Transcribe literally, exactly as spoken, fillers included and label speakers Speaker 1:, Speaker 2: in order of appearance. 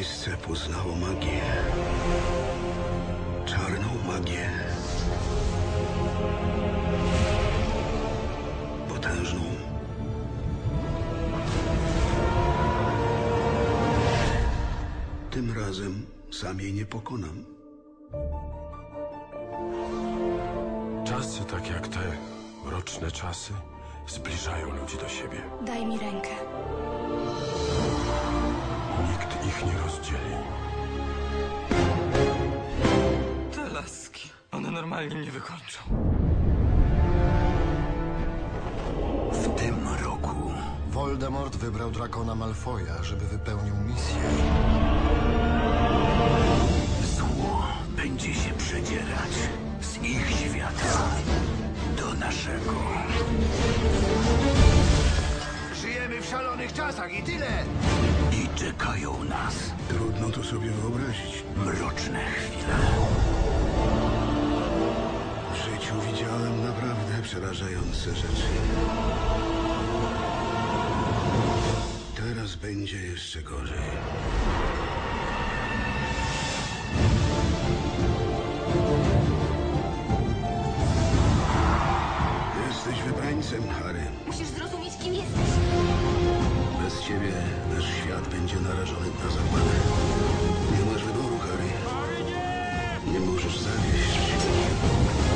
Speaker 1: Miejsce poznało magię. Czarną magię. Potężną. Tym razem sam jej nie pokonam.
Speaker 2: Czasy tak jak te, mroczne czasy, zbliżają ludzi do siebie.
Speaker 3: Daj mi rękę.
Speaker 2: Nikt ich nie rozdzieli.
Speaker 4: Te laski, one normalnie mnie wykończą.
Speaker 1: W tym roku
Speaker 5: Voldemort wybrał Drakona Malfoja, żeby wypełnił misję.
Speaker 1: zło będzie się przedzierać z ich świata do naszego.
Speaker 5: Żyjemy w szalonych czasach i tyle!
Speaker 1: I czekają nas. Trudno to sobie wyobrazić. Mroczne chwile. W życiu widziałem naprawdę przerażające rzeczy. Teraz będzie jeszcze gorzej. Jesteś wybrańcem, Harry.
Speaker 3: Musisz zrozumieć, kim jesteś.
Speaker 1: Bez ciebie nasz świat będzie narażony na zagładę. Nie masz wyboru, Harry. Nie możesz zawieść.